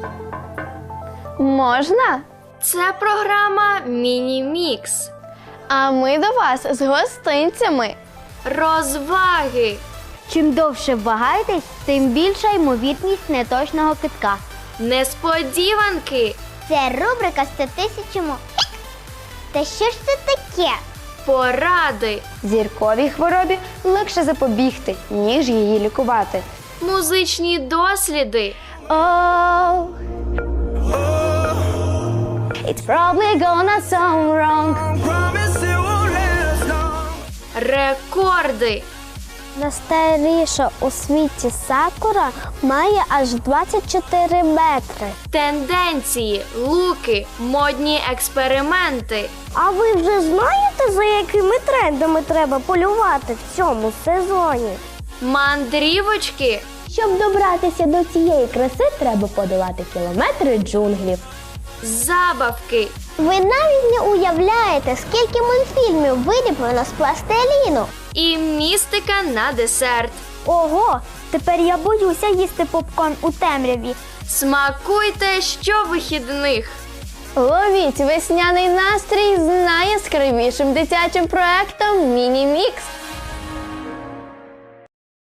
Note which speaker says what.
Speaker 1: Можна?
Speaker 2: Це програма «Міні-мікс».
Speaker 1: А ми до вас з гостинцями.
Speaker 2: Розваги.
Speaker 3: Чим довше вагаєтесь, тим більша ймовірність неточного кидка.
Speaker 2: Несподіванки.
Speaker 3: Це рубрика «100 тисячому». Та що ж це таке?
Speaker 2: Поради.
Speaker 1: Зірковій хворобі легше запобігти, ніж її лікувати.
Speaker 2: Музичні досліди.
Speaker 1: Oh, it's probably gonna sound wrong.
Speaker 2: Рекорди.
Speaker 3: Найстаріша у світі сакура має аж 24 метри.
Speaker 2: Тенденції, луки, модні експерименти.
Speaker 3: А ви вже знаєте, за якими трендами треба полювати в цьому сезоні?
Speaker 2: Мандрівочки.
Speaker 1: Щоб добратися до цієї краси, треба подолати кілометри джунглів.
Speaker 2: Забавки.
Speaker 3: Ви навіть не уявляєте, скільки мультфільмів виліплено з пластиліну.
Speaker 2: І містика на десерт.
Speaker 3: Ого, тепер я боюся їсти попкорн у темряві.
Speaker 2: Смакуйте щовихідних.
Speaker 1: Ловіть весняний настрій з найяскравішим дитячим проектом «Міні-мікс».